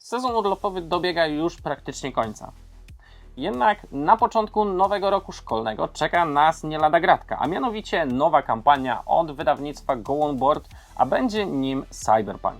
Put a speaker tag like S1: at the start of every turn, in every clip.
S1: Sezon urlopowy dobiega już praktycznie końca. Jednak na początku nowego roku szkolnego czeka nas nie lada gratka, a mianowicie nowa kampania od wydawnictwa Go On Board, a będzie nim Cyberpunk.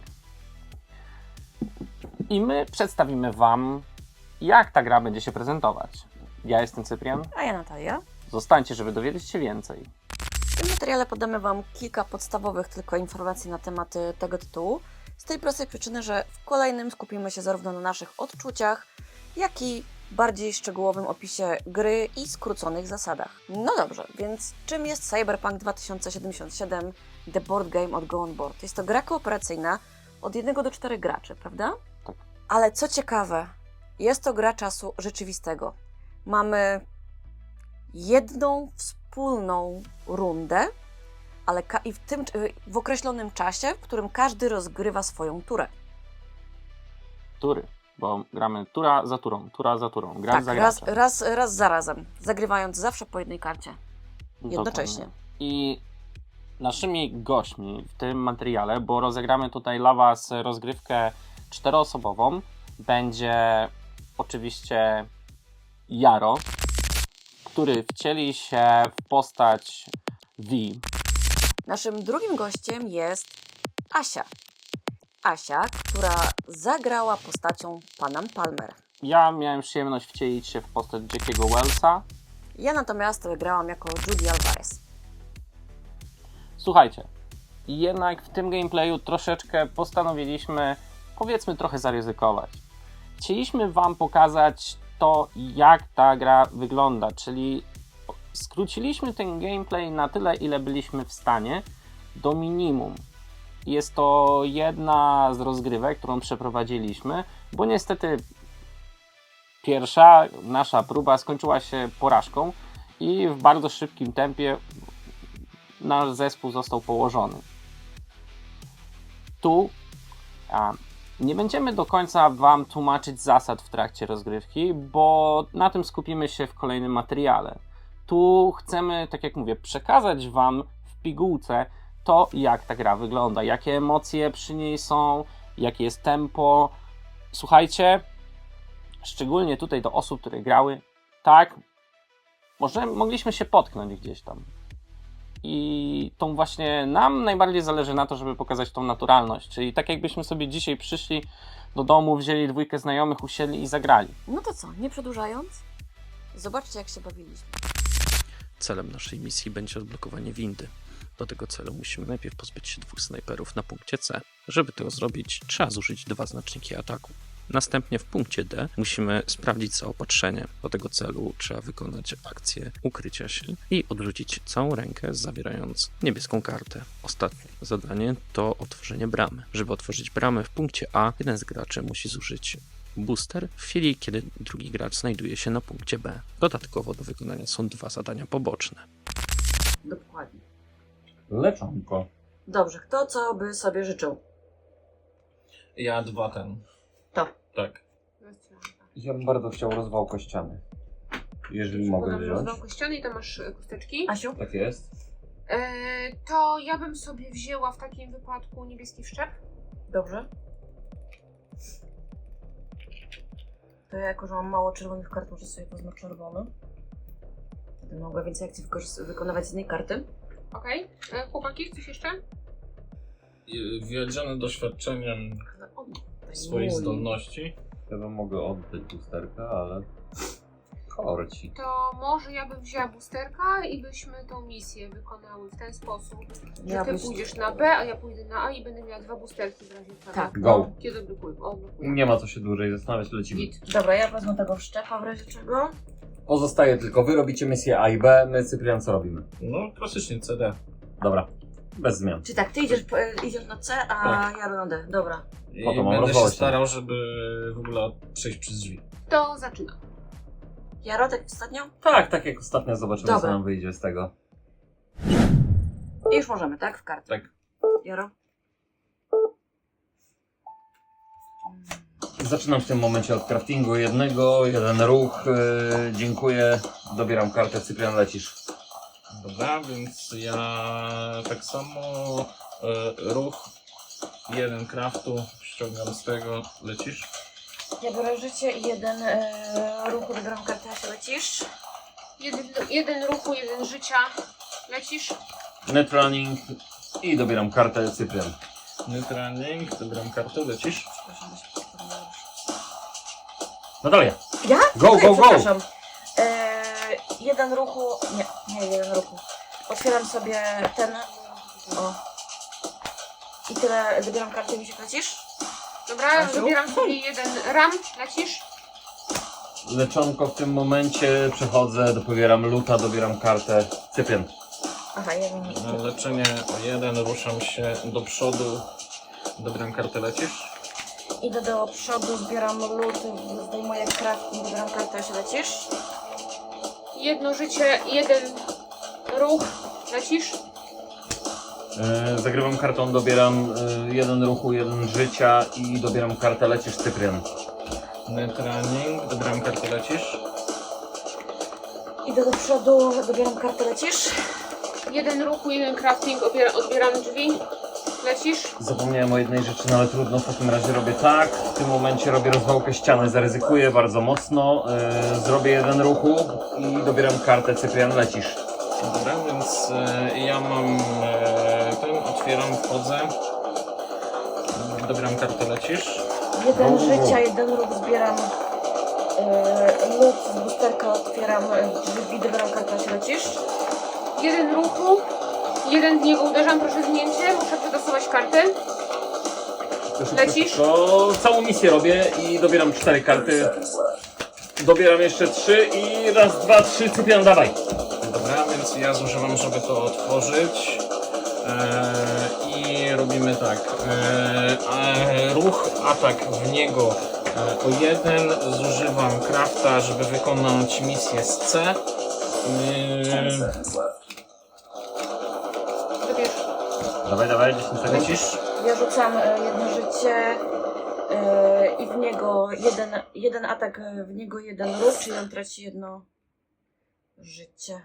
S1: I my przedstawimy Wam, jak ta gra będzie się prezentować. Ja jestem Cyprian.
S2: A ja Natalia.
S1: Zostańcie, żeby dowiedzieć się więcej.
S2: W tym materiale podamy Wam kilka podstawowych tylko informacji na temat tego tytułu. Z tej prostej przyczyny, że w kolejnym skupimy się zarówno na naszych odczuciach, jak i bardziej szczegółowym opisie gry i skróconych zasadach. No dobrze, więc czym jest Cyberpunk 2077 The Board Game od Go On Board? Jest to gra kooperacyjna od 1 do 4 graczy, prawda?
S1: Tak.
S2: Ale co ciekawe, jest to gra czasu rzeczywistego. Mamy jedną wspólną rundę, ale w określonym czasie, w którym każdy rozgrywa swoją turę.
S1: Tury, bo gramy tura za turą, gracz
S2: Tak,
S1: za graczem.
S2: raz za razem, zagrywając zawsze po jednej karcie. Jednocześnie.
S1: Dokładnie. I naszymi gośćmi w tym materiale, bo rozegramy tutaj dla Was rozgrywkę 4-osobową, będzie oczywiście Jaro, który wcieli się w postać V.
S2: Naszym drugim gościem jest Asia. Asia, która zagrała postacią Panam Palmer.
S1: Ja miałem przyjemność wcielić się w postać Jackiego Wellsa.
S2: Ja natomiast grałam jako Judy Alvarez.
S1: Słuchajcie, jednak w tym gameplayu troszeczkę postanowiliśmy, powiedzmy, trochę zaryzykować. Chcieliśmy Wam pokazać to, jak ta gra wygląda, czyli skróciliśmy ten gameplay na tyle, ile byliśmy w stanie, do minimum. Jest to jedna z rozgrywek, którą przeprowadziliśmy, bo niestety pierwsza nasza próba skończyła się porażką i w bardzo szybkim tempie nasz zespół został położony. Tu nie będziemy do końca Wam tłumaczyć zasad w trakcie rozgrywki, bo na tym skupimy się w kolejnym materiale. Tu chcemy, tak jak mówię, przekazać Wam w pigułce to, jak ta gra wygląda, jakie emocje przy niej są, jakie jest tempo. Słuchajcie, szczególnie tutaj do osób, które grały, tak, może mogliśmy się potknąć gdzieś tam. I tą właśnie nam najbardziej zależy na to, żeby pokazać tą naturalność. Czyli tak jakbyśmy sobie dzisiaj przyszli do domu, wzięli 2 znajomych, usiedli i zagrali.
S2: No to co, nie przedłużając, zobaczcie, jak się bawiliśmy.
S3: Celem naszej misji będzie odblokowanie windy. Do tego celu musimy najpierw pozbyć się 2 snajperów na punkcie C. Żeby to zrobić, trzeba zużyć 2 znaczniki ataku. Następnie w punkcie D musimy sprawdzić zaopatrzenie. Do tego celu trzeba wykonać akcję ukrycia się i odrzucić całą rękę, zawierając niebieską kartę. Ostatnie zadanie to otworzenie bramy. Żeby otworzyć bramę w punkcie A, jeden z graczy musi zużyć booster w chwili, kiedy drugi gracz znajduje się na punkcie B. Dodatkowo do wykonania są 2 zadania poboczne.
S2: Dokładnie.
S4: Leczonko.
S2: Dobrze, kto co by sobie życzył?
S4: Ja 2
S2: To.
S4: Tak.
S5: Ja bym bardzo chciał rozwał kościany. Jeżeli mogę wziąć.
S6: Rozwał kościany i tam masz kosteczki.
S2: Asiu?
S5: Tak jest.
S6: To ja bym sobie wzięła w takim wypadku niebieski wszczep.
S2: Dobrze. To ja, jako że mam mało czerwonych kart, muszę sobie wezmę czerwony. Wtedy mogę więcej akcji wykonywać z jednej karty.
S6: Okej. Chłopaki, coś jeszcze?
S4: Wiedziony doświadczeniem swoich
S2: Mój.
S4: zdolności.
S5: Ja bym mogę oddać lusterkę, ale korci.
S6: To może ja bym wzięła boosterka i byśmy tą misję wykonały w ten sposób, że
S2: Ja
S6: ty
S2: byś-
S6: pójdziesz na B, a ja pójdę na A i będę miała 2 boosterki w razie czego.
S2: Tak.
S5: Go.
S6: Kiedy blokuję? O, blokuję.
S5: Nie ma co się dłużej zastanawiać, lecimy.
S6: Git.
S2: Dobra, ja wezmę tego wszczepa w razie czego.
S5: Pozostaje tylko wy robicie misję A i B, my Cyprian co robimy?
S4: No, klasycznie CD.
S5: Dobra, bez zmian.
S2: Czyli tak, ty idziesz na C, a
S4: Tak.
S2: ja na D. Dobra.
S4: I
S5: Po to mam
S4: będę się
S5: rozwołać.
S4: starał, żeby w ogóle przejść przez drzwi.
S6: To zaczynam.
S2: Jaro, tak ostatnio?
S5: Tak jak ostatnio, zobaczymy co
S2: Dobra.
S5: nam wyjdzie z tego.
S2: I już możemy, tak? W kartę.
S4: Tak.
S2: Jaro?
S5: Zaczynam w tym momencie od craftingu jeden ruch, dziękuję, dobieram kartę, Cyprian lecisz.
S4: Dobra, więc ja tak samo ruch, 1 craftu, ściągam z tego, lecisz?
S2: Ja biorę życie i jeden ruch, odbieram kartę, a się lecisz.
S6: Jeden ruchu, jeden życia. Lecisz?
S5: Net running i dobieram kartę Cyprian.
S4: Netrunning, dobieram kartę, lecisz?
S2: Przepraszam, bo się wspomniałam.
S5: Natalia.
S2: Ja?
S5: Go,
S2: Okej,
S5: go, go!
S2: przepraszam. Jeden ruchu, nie jeden ruchu. Otwieram sobie ten, o. I tyle, dobieram kartę i mi się lecisz?
S6: Dobra,
S2: Asiu?
S6: dobieram sobie jeden ram. Lecisz?
S5: Leczonko w tym momencie przechodzę, dobieram luta, dobieram kartę Cyprian.
S2: Aha, jeden.
S4: Na leczenie o 1, ruszam się do przodu. Dobieram kartę, lecisz?
S2: Idę do przodu, zbieram lód, zdejmuję crafting, dobieram kartę, a się lecisz?
S6: Jedno życie, jeden ruch. Lecisz?
S5: Zagrywam kartą, dobieram jeden ruchu, jeden życia i dobieram kartę lecisz Cyprian.
S4: Netrunning, dobieram kartę, lecisz?
S2: Idę do przodu, dobieram kartę, lecisz?
S6: Jeden ruchu, jeden crafting. Odbieram drzwi. Lecisz?
S5: Zapomniałem o jednej rzeczy, no ale trudno, w takim razie robię tak. W tym momencie robię rozwałkę ściany, zaryzykuję bardzo mocno. Zrobię jeden ruchu i dobieram kartę Cyprian, lecisz.
S4: Dobra, więc ja mam ten, otwieram, wchodzę. Dobieram kartę, lecisz?
S2: Jeden
S5: O.
S2: życia, jeden ruch, zbieram lód z boosterka, otwieram drzwi, dobieram kartę, a się lecisz?
S6: Jeden ruchu. Jeden w niego uderzam, proszę zdjęcie. Muszę przetasować kartę. Lecisz?
S5: To całą misję robię i dobieram 4 karty. Dobieram jeszcze 3 i raz, dwa, 3, Cyprian, dawaj.
S4: Dobra, więc ja zużywam, żeby to otworzyć. I robimy tak. Ruch, atak w niego o 1. Zużywam crafta, żeby wykonać misję z C.
S6: Dobierz.
S5: Dawaj, 10 sekund.
S4: Lecisz?
S2: Ja rzucam jedno życie i w niego jeden atak, w niego jeden ruch, czyli on traci jedno życie.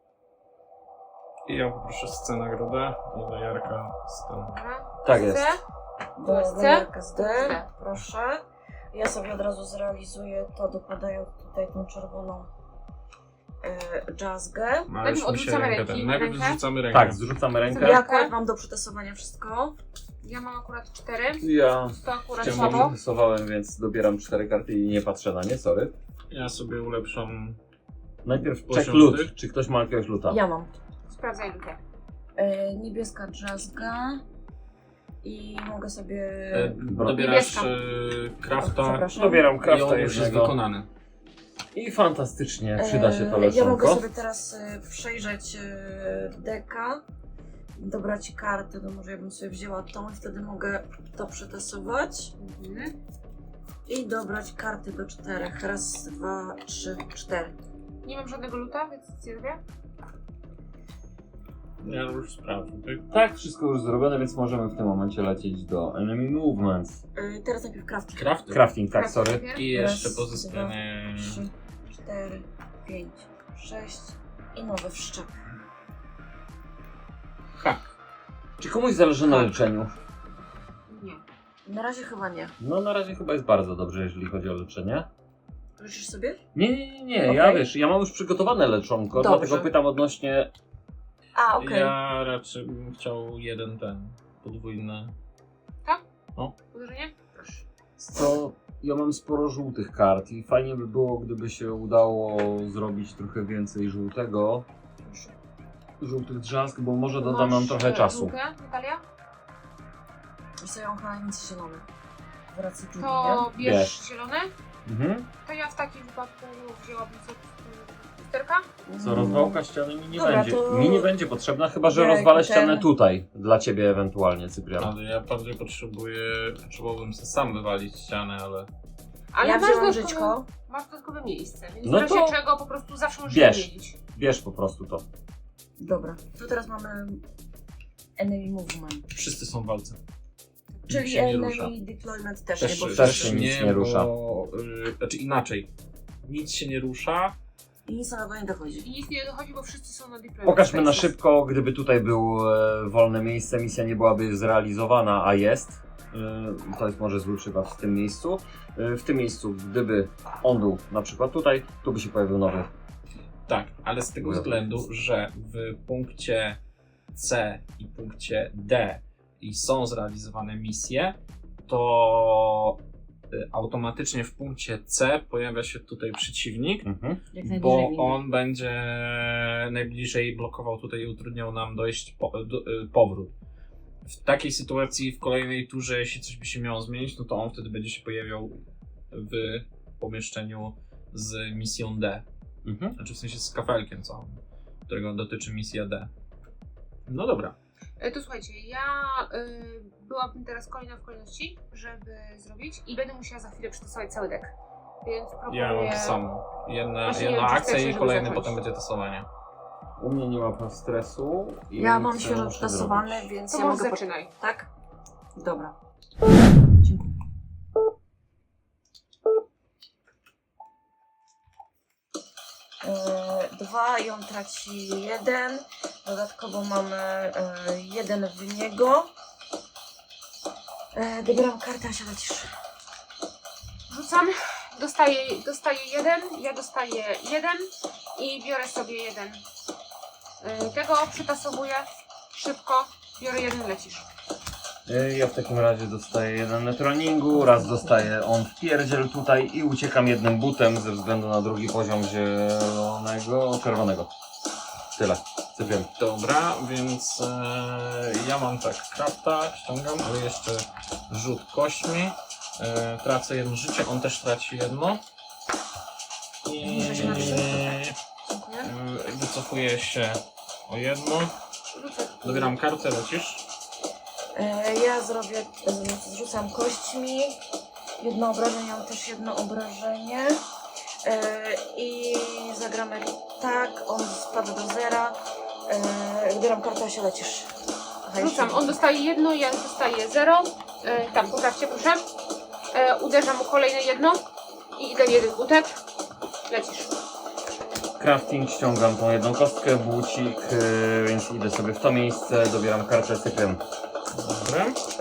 S4: I ja poproszę z C nagrodę i do Jarka z ten.
S6: Dobra.
S5: Tak jest.
S6: C.
S2: Do
S6: C?
S2: Jarka z D,
S6: D.
S2: proszę. Ja sobie od razu zrealizuję to, dokładając tutaj tą czerwoną jazzgę.
S4: No, już mi się
S6: odrzucamy
S4: rękę
S6: ręki,
S4: ten. Najpierw
S6: rękę?
S4: zrzucamy rękę.
S5: Tak, zrzucamy rękę.
S2: Ja akurat mam do przetasowania wszystko.
S6: Ja mam akurat 4.
S5: Ja
S6: To akurat
S5: ciągle
S6: słabo.
S5: przetestowałem, więc dobieram 4 karty i nie patrzę na nie, sorry.
S4: Ja sobie ulepszam.
S5: Najpierw check
S4: Poziom
S5: loot.
S4: tych?
S5: Czy ktoś ma jakiegoś loota?
S2: Ja mam.
S6: Sprawdzaj lukę.
S2: Niebieska jazzga. I mogę sobie...
S4: Dobierasz
S6: Niebieska.
S4: crafta.
S2: Przepraszam.
S5: Dobieram
S4: I
S5: crafta
S4: on już jest
S5: jednego.
S4: wykonany.
S5: I fantastycznie, przyda się to
S2: Ja mogę
S5: leczonko.
S2: sobie teraz przejrzeć deka, dobrać kartę, to może ja bym sobie wzięła tą i wtedy mogę to przetasować
S6: Mhm.
S2: i dobrać karty do 4. Raz, 2, 3, 4.
S6: Nie mam żadnego luta, więc nic nie robię.
S4: Ja już sprawdzę, tak?
S5: Tak, wszystko już zrobione, więc możemy w tym momencie lecieć do Enemy Movements.
S2: Teraz najpierw crafting.
S4: Crafty.
S5: Crafting, tak,
S6: Crafting
S5: sorry.
S6: najpierw.
S4: I jeszcze
S2: Raz,
S4: pozyskanie.
S2: 3, 4, 5, 6 i nowy wszczep.
S4: Ha.
S5: Czy komuś zależy na
S4: Tak.
S5: leczeniu?
S6: Nie.
S2: Na razie chyba nie.
S5: No na razie chyba jest bardzo dobrze, jeżeli chodzi o leczenie.
S2: Leczysz sobie?
S5: Nie,
S2: Okej.
S5: ja wiesz, ja mam już przygotowane leczonko,
S2: Dobrze.
S5: dlatego pytam odnośnie...
S2: A, okej.
S4: Ja raczej bym chciał jeden ten podwójny.
S6: Uderzenie? Proszę.
S5: Co, ja mam sporo żółtych kart i fajnie by było, gdyby się udało zrobić trochę więcej żółtych drzask, bo może doda nam trochę czasu.
S6: Lukę, Natalia?
S2: Wiesz, ja mam chyba najwięcej zielony. W racji Judy,
S6: To
S2: nie?
S6: bierz zielone.
S5: Mhm.
S6: To ja w takim wypadku wzięłabym sobie lusterka.
S5: Co, rozwałka ściany mi nie
S2: Dobra,
S5: będzie.
S2: to-
S5: Mi nie będzie potrzebna, chyba że
S2: Jejku,
S5: rozwalę
S2: ten-
S5: ścianę tutaj, dla ciebie ewentualnie, Cyprian.
S4: Ale ja bardziej potrzebowałbym sobie sam wywalić ścianę, ale.
S6: Ale
S2: Ja
S6: masz
S2: wzięłam
S6: dodatkowe,
S2: żyćko.
S6: masz dodatkowe miejsce, więc
S5: No
S6: w razie
S5: to
S6: czego po prostu zawsze możesz
S5: bierz.
S6: zmienić.
S5: Bierz po prostu to.
S2: Dobra, to teraz mamy enemy movement.
S4: Wszyscy są w walce.
S2: Czyli
S4: Nikt się nie
S2: enemy
S4: rusza.
S2: deployment też,
S4: Też,
S2: nie, bo
S5: też
S2: wszyscy-
S5: się nic nie rusza.
S4: Bo, znaczy inaczej. Nic się nie rusza.
S2: I nic na to nie dochodzi.
S6: I nic nie dochodzi, bo wszyscy są na deployment.
S5: Pokażmy na
S6: spaces.
S5: szybko, gdyby tutaj było wolne miejsce, misja nie byłaby zrealizowana, a jest. To jest może zły przykład w tym miejscu. W tym miejscu, gdyby on był na przykład tutaj, tu by się pojawił nowy.
S4: Tak, ale z tego względu, że w punkcie C i punkcie D i są zrealizowane misje, to automatycznie w punkcie C pojawia się tutaj przeciwnik,
S2: Jak
S4: bo
S2: najbliżej windy.
S4: on będzie najbliżej blokował tutaj i utrudniał nam dojść powrót. W takiej sytuacji w kolejnej turze, jeśli coś by się miało zmienić, no to on wtedy będzie się pojawiał w pomieszczeniu z misją D. Znaczy w sensie z kafelkiem całym, którego dotyczy misja D. No dobra.
S6: To słuchajcie, ja byłabym teraz kolejna w kolejności, żeby zrobić i będę musiała za chwilę przetestować cały deck. Więc proponuję...
S4: Ja mam to samo.
S6: Właśnie nie
S4: Jedna
S6: wiem, czy
S4: akcja
S6: chcecie,
S4: i
S6: żeby
S4: kolejny
S6: zacząć.
S4: potem będzie testowanie.
S5: U mnie nie ma stresu. I
S2: Ja mam
S5: co
S2: świeżo
S5: muszę
S2: przetestowany,
S5: zrobić?
S2: więc
S6: To
S2: ja
S6: może
S2: mogę...
S6: zaczynaj.
S2: Tak? Dobra. Dziękuję. Dwa i on traci jeden. Dodatkowo mamy jeden w niego. Dobieram kartę, Asia, lecisz.
S6: Rzucam, dostaję jeden, ja dostaję jeden i biorę sobie jeden. Tego przetasowuję szybko, biorę jeden, lecisz.
S5: Ja w takim razie dostaję jeden na treningu, raz dostaję on w pierdziel tutaj i uciekam jednym butem ze względu na drugi poziom czerwonego. Tyle. Cypię.
S4: Dobra, więc ja mam tak, krafta, ściągam, ale jeszcze rzut kośćmi. Tracę jedno życie, on też traci jedno. I
S2: Muszę się napisać. Dziękuję.
S4: wycofuję się o jedno.
S6: Rzucę.
S4: Dobieram kartę, lecisz.
S2: Ja zrzucam kośćmi. Jedno obrażenie, mam też jedno obrażenie. I zagramy tak, on spada do zera. Wybieram kartę, a się lecisz. Aha, jeszcze
S6: Rzucam, on dostaje jedno, ja dostaję 0. Tam, poprawcie proszę. Uderzam mu kolejne jedno i idę jeden utek. Lecisz.
S5: Crafting, ściągam tą jedną kostkę, bucik, więc idę sobie w to miejsce, dobieram kartę, cypię.
S4: Dobra.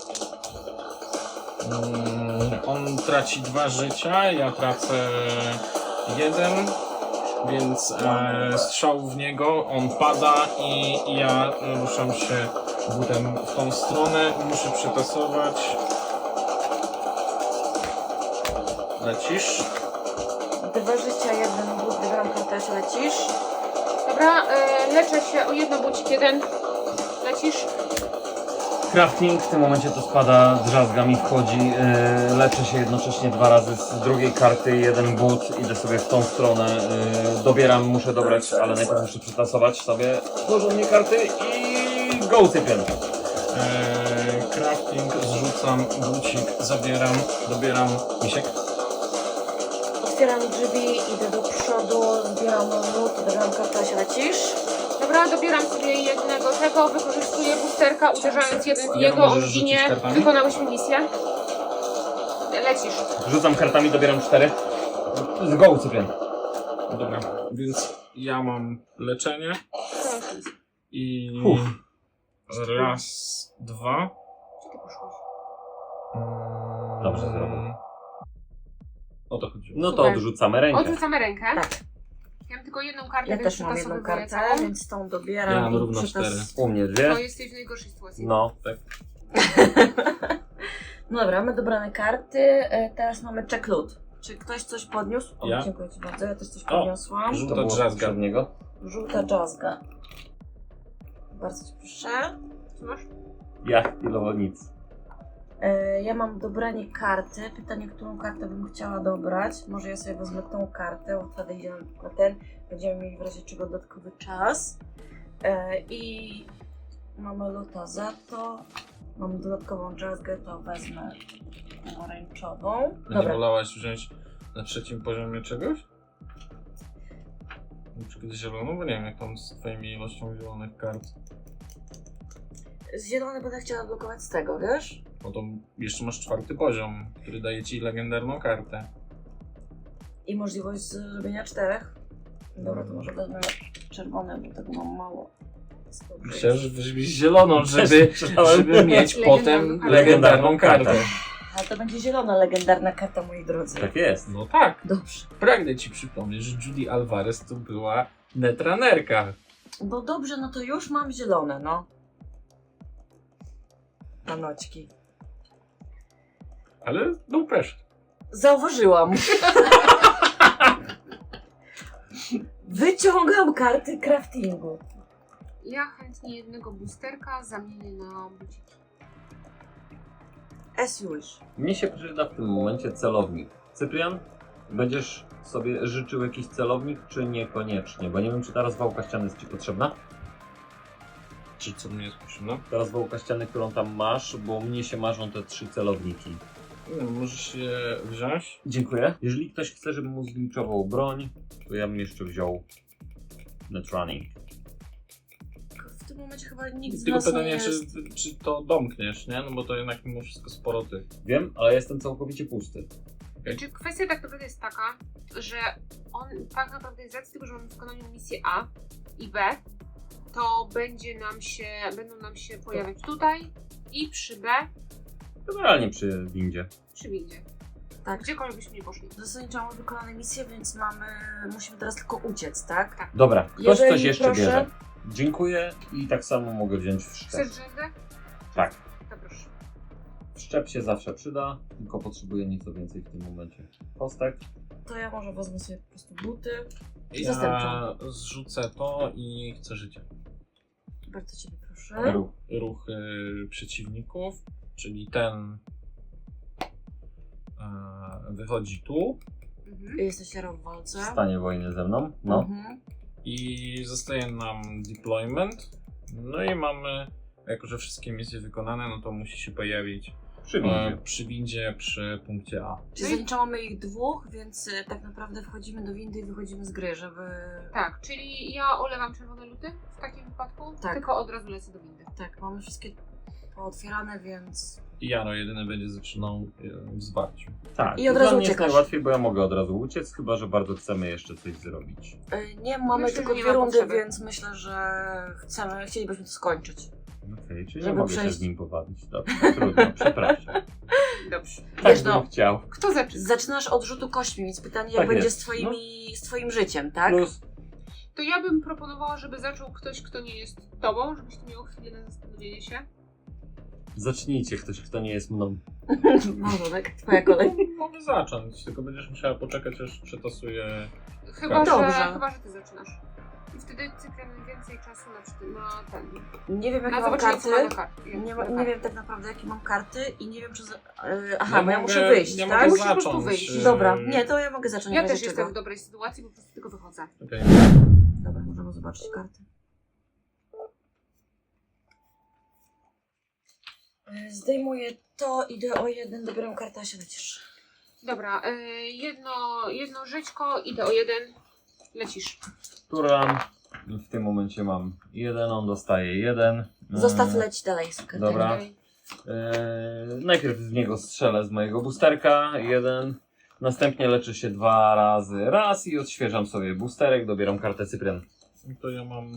S4: On traci 2 życia, ja tracę 1, więc strzał w niego, on pada i ja ruszam się butem w tą stronę. Muszę przetasować. Lecisz.
S2: 2 życia, jeden but, wybieram kartę, a się lecisz.
S6: Dobra, leczę się o jedno, bucik jeden. Lecisz.
S5: Crafting, w tym momencie to spada, drzazga mi wchodzi, leczę się jednocześnie 2 razy z drugiej karty, jeden but, idę sobie w tą stronę, dobieram, muszę dobrać, ale najpierw muszę przetasować sobie porządnie karty i go cypię.
S4: Crafting, zrzucam, bucik, zabieram, dobieram misiek.
S2: Otwieram drzwi, idę do przodu, zbieram lód, wybieram kartę, a się lecisz.
S6: Dobra, dobieram sobie jednego tego, wykorzystuję boosterka, uderzając jeden w
S4: Ja
S6: niego,
S4: możesz
S6: on
S4: rzucić
S6: ginie.
S4: kartami?
S6: Wykonałyśmy misję. Lecisz.
S5: Rzucam kartami, dobieram 4. Z go cypię.
S4: Dobra, więc ja mam leczenie i raz, dwa.
S6: Gdzie ty poszłaś?
S5: Dobrze zrobił.
S4: O to chodziło.
S5: No to
S6: Super.
S5: odrzucamy rękę.
S6: Odrzucamy rękę.
S2: Tak.
S6: Ja mam tylko jedną kartę,
S2: Ja
S6: więc
S2: też mam jedną
S6: przetasowuję
S2: kartę,
S6: całą.
S2: więc tą dobieram.
S4: Ja mam
S2: i
S4: równo
S2: przetas-
S4: 4.
S5: U mnie
S6: To
S5: 2.
S6: jesteś w najgorszej sytuacji.
S5: No.
S2: No dobra, mamy dobrane karty. Teraz mamy check loot. Czy ktoś coś podniósł? O,
S4: Ja.
S2: dziękuję Ci bardzo, ja też coś podniosłam.
S5: To
S4: Żółta
S5: było
S4: drzazga.
S5: od niego.
S2: Żółta jazzga. Bardzo Ci proszę.
S6: Co masz?
S5: Ja chwilowo nic.
S2: Ja mam dobranie karty. Pytanie, którą kartę bym chciała dobrać. Może ja sobie wezmę tą kartę, bo wtedy idziemy na ten. Będziemy mieli w razie czego dodatkowy czas. I mamy luta za to. Mam dodatkową jazzgę, to wezmę pomarańczową.
S4: Nie
S2: Dobra,
S4: wolałaś wziąć na 3. poziomie czegoś? Na przykład zieloną, bo nie wiem jak tam z twoimi ilością zielonych kart.
S2: z zielony będę chciała blokować z tego, wiesz?
S4: No to jeszcze masz 4. poziom, który daje ci legendarną kartę.
S2: I możliwość zrobienia 4. Dobra, to może wezmę czerwone, bo tego mam mało. więc dobrze
S4: Myślałem,
S2: jest.
S4: że weźmiesz zieloną, żeby mieć potem legendarną kartę.
S2: Ale to będzie zielona legendarna karta, moi drodzy.
S5: Tak jest.
S4: No tak.
S2: Dobrze.
S4: Pragnę ci przypomnieć, że Judy Alvarez to była netranerka.
S2: No dobrze, no to już mam zielone, no. Panoćki.
S4: Ale no pressure.
S2: Zauważyłam. Wyciągam karty craftingu.
S6: Ja chętnie jednego boosterka zamienię na buciki.
S2: As you wish.
S5: Mnie się przyda w tym momencie celownik. Cyprian, będziesz sobie życzył jakiś celownik, czy niekoniecznie? Bo nie wiem, czy ta rozwałka ściany jest ci potrzebna?
S4: Czy co mnie jest potrzebne?
S5: Ta rozwałka ściany, którą tam masz, bo mnie się marzą te 3 celowniki.
S4: No, możesz je wziąć.
S5: Dziękuję. Jeżeli ktoś chce, żebym mu zliczował broń, to ja bym jeszcze wziął Netrunning.
S2: W tym momencie chyba nikt z
S4: Tylko
S2: nas nie
S4: pytanie,
S2: jest...
S4: czy to domkniesz, nie? No bo to jednak mimo wszystko sporo tych.
S5: Wiem, ale jestem całkowicie pusty.
S6: Czy kwestia tak naprawdę jest taka, że on tak naprawdę z racji tego, że mamy w wykonaniu misję A i B, to będą nam się pojawiać tutaj i przy B,
S5: Generalnie przy windzie.
S6: przy windzie.
S2: Tak.
S6: Gdziekolwiek byśmy nie poszli.
S2: Zasadniczo mamy wykonane misje, więc musimy teraz tylko uciec, tak?
S5: Dobra, ktoś
S2: Jeżeli
S5: coś jeszcze
S2: proszę.
S5: bierze. Dziękuję i tak samo mogę wziąć w szczep.
S6: Chcesz rzędę?
S5: Tak.
S6: To proszę.
S5: Szczep się zawsze przyda, tylko potrzebuję nieco więcej w tym momencie. Kostek.
S2: To ja może wezmę sobie po prostu buty.
S4: Ja
S2: Zastępczą.
S4: zrzucę to i chcę życie.
S2: Bardzo Ciebie proszę.
S5: Ruch.
S4: Ruch przeciwników, czyli ten wychodzi tu
S6: Mhm.
S2: Jesteś Jaro w
S5: W
S2: walce.
S5: stanie wojny ze mną. No.
S2: Mhm.
S4: i zostaje nam deployment. No i mamy, jako że wszystkie misje wykonane, no to musi się pojawić
S5: Przy windzie.
S4: przy windzie, przy punkcie A.
S2: Czyli zaliczamy mamy ich 2, więc tak naprawdę wchodzimy do windy i wychodzimy z gry, żeby...
S6: Tak, czyli ja olewam czerwone luty w takim wypadku,
S2: Tak.
S6: tylko od razu lecę do windy.
S2: Tak, mamy wszystkie pootwierane, więc...
S4: I Jaro jedyny będzie zaczynał w zwarciu.
S5: Tak.
S2: I od
S5: dla
S2: razu
S5: mnie jest
S2: uciekasz.
S5: najłatwiej, bo ja mogę od razu uciec, chyba że bardzo chcemy jeszcze coś zrobić.
S2: Nie, mamy
S6: Myślę,
S2: tylko
S6: że nie
S2: 2
S6: ma
S2: rundy,
S6: potrzeby.
S2: więc myślę, że chcielibyśmy to skończyć.
S5: Okej, czyli
S2: Żeby
S5: nie mogę się
S2: przejść-
S5: z nim pobawić. Dobrze, trudno, przepraszam.
S6: Dobrze.
S5: Tak
S2: Wiesz,
S5: bym
S2: no.
S5: chciał.
S6: Kto zaczyna?
S2: Zaczynasz od rzutu kośćmi, więc pytanie, jak
S5: Tak
S2: będzie
S5: jest.
S2: z twoim życiem, tak?
S5: Plus
S6: To ja bym proponowała, żeby zaczął ktoś, kto nie jest tobą, żebyś ty miał chwilę na zastanowienie się.
S5: zacznijcie ktoś, kto nie jest mną.
S2: Małżonek, twoja kolej.
S4: Mogę zacząć, tylko będziesz musiała poczekać, aż przetasuję.
S6: Chyba,
S2: Dobrze.
S6: że ty zaczynasz. I wtedy Cyprian więcej czasu na ten.
S2: Nie wiem, jakie
S6: Na
S2: mam
S6: zobaczenie,
S2: karty.
S6: co ma na karty.
S2: Nie wiem tak naprawdę, jakie mam karty i nie wiem, czy... Aha,
S4: Ja
S2: bo ja
S4: mogę-
S2: muszę wyjść,
S4: ja
S2: tak?
S4: mogę
S6: Musisz po prostu
S4: zacząć,
S6: wyjść.
S2: Dobra, nie, to ja mogę zacząć.
S6: Ja
S2: w
S6: też
S2: razie
S6: jestem
S2: czego.
S6: w dobrej sytuacji, bo po prostu tylko wychodzę.
S4: Okej.
S2: Dobra, możemy zobaczyć karty. Zdejmuję to, idę o 1, dobieram kartę, a się lecisz.
S6: Dobra, jedno żyćko, idę o 1, lecisz.
S5: Turan. W tym momencie mam 1, on dostaje 1.
S2: Zostaw leć dalej z kartami.
S5: Dobra.
S6: Dalej.
S5: Najpierw w niego strzelę z mojego boosterka, 1. Następnie leczę się 2 razy raz i odświeżam sobie boosterek, dobieram kartę Cyprian.
S4: To ja mam.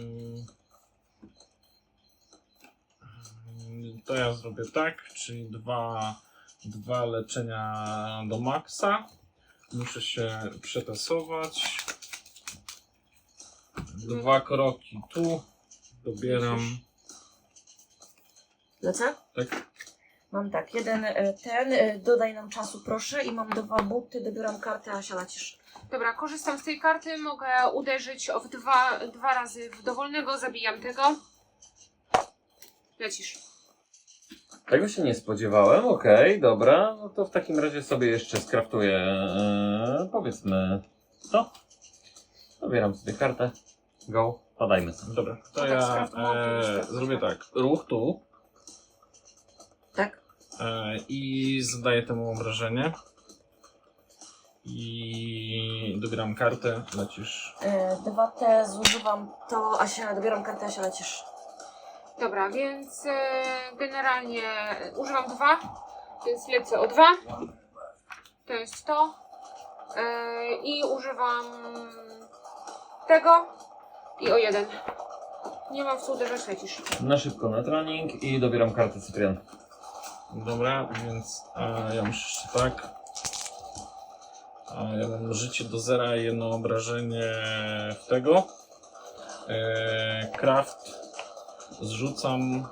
S4: To ja zrobię tak, czyli dwa leczenia do maksa. Muszę się przetasować. 2 kroki tu. Dobieram.
S2: Lecę?
S4: Tak.
S2: Mam tak, dodaj nam czasu proszę i mam 2 buty, dobieram kartę, a się lecisz.
S6: Dobra, korzystam z tej karty, mogę uderzyć w dwa razy w dowolnego, zabijam tego. Lecisz.
S5: Tego się nie spodziewałem, okej, dobra. No to w takim razie sobie jeszcze skraftuję, powiedzmy, to. Dobieram sobie kartę. Go, padajmy sobie.
S4: Dobra, to
S6: No tak,
S4: ja
S6: skraftował,
S4: zrobię tak. Ruch tu
S2: Tak?
S4: i zadaję temu obrażenie. I dobieram kartę, lecisz.
S2: 2T zużywam to, dobieram kartę, a się lecisz.
S6: Dobra, więc generalnie używam 2, więc lecę o 2. To jest to. I używam tego i o 1. Nie mam w co uderzać, lecisz.
S5: Na szybko na trening i dobieram kartę Cyprian.
S4: Dobra, więc ja muszę jeszcze tak. Ja mam życie do zera i jedno obrażenie w tego. Craft zrzucam,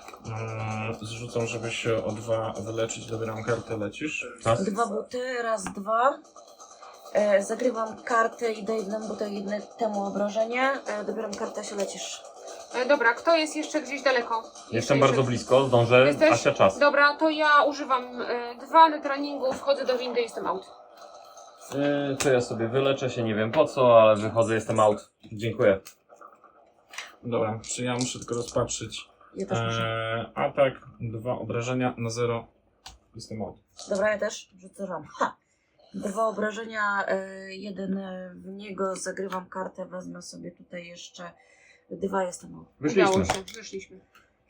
S4: żeby się o 2 wyleczyć. Dobieram kartę, lecisz.
S5: Tak?
S2: 2 buty, raz, 2. Zagrywam kartę i daję jednemu butowi temu obrażenie. Dobieram kartę, się lecisz.
S6: Dobra, kto jest jeszcze gdzieś daleko?
S5: Jestem bardzo blisko, zdążę.
S6: Jesteś?
S5: Asia, czas.
S6: Dobra, to ja używam 2 na treningu, wchodzę do windy i jestem out.
S5: To ja sobie wyleczę się, nie wiem po co, ale wychodzę, jestem out. Dziękuję.
S4: Dobra, czy ja muszę tylko rozpatrzyć.
S2: Ja też muszę.
S4: Atak, 2 obrażenia na 0. Jestem out.
S2: Dobra, ja też rzucam. 2 obrażenia, jeden w niego, zagrywam kartę, wezmę sobie tutaj jeszcze 2, jestem.
S5: Wyszliśmy.
S6: Udało się, wyszliśmy.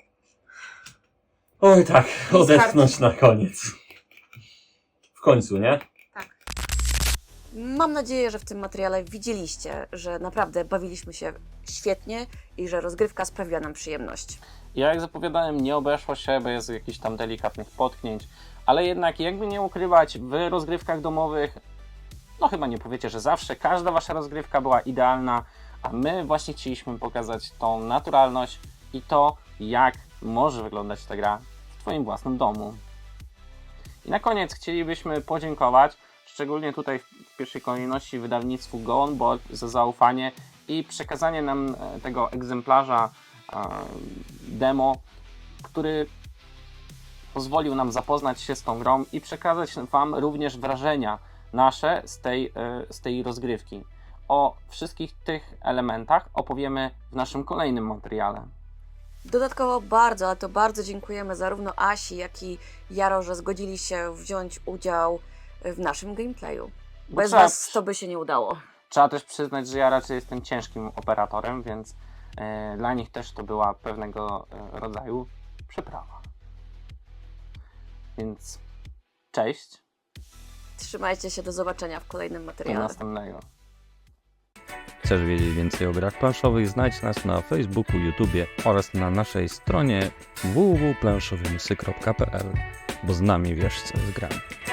S5: Oj tak, odetchnąć na koniec. W końcu, nie?
S6: Tak.
S2: Mam nadzieję, że w tym materiale widzieliście, że naprawdę bawiliśmy się świetnie i że rozgrywka sprawiła nam przyjemność.
S1: Ja jak zapowiadałem, nie obeszło się bez jakichś tam delikatnych potknięć, ale jednak jakby nie ukrywać, w rozgrywkach domowych, no chyba nie powiecie, że zawsze każda wasza rozgrywka była idealna, a my właśnie chcieliśmy pokazać tą naturalność i to, jak może wyglądać ta gra w twoim własnym domu. I na koniec chcielibyśmy podziękować, szczególnie tutaj w pierwszej kolejności wydawnictwu Go On Board za zaufanie i przekazanie nam tego egzemplarza demo, który pozwolił nam zapoznać się z tą grą i przekazać wam również wrażenia nasze z tej rozgrywki. O wszystkich tych elementach opowiemy w naszym kolejnym materiale.
S2: Dodatkowo bardzo, ale to bardzo dziękujemy zarówno Asi, jak i Jaro, że zgodzili się wziąć udział w naszym gameplayu.
S1: Bo
S2: Bez was to by się nie udało.
S1: Trzeba też przyznać, że ja raczej jestem ciężkim operatorem, więc dla nich też to była pewnego rodzaju przeprawa. Więc cześć,
S2: Trzymajcie się, do zobaczenia w kolejnym
S1: do
S2: materiale.
S1: następnego.
S3: Chcesz wiedzieć więcej o grach planszowych? Znajdź nas na Facebooku, YouTubie oraz na naszej stronie www.planszowymysy.pl, bo z nami wiesz co jest grane.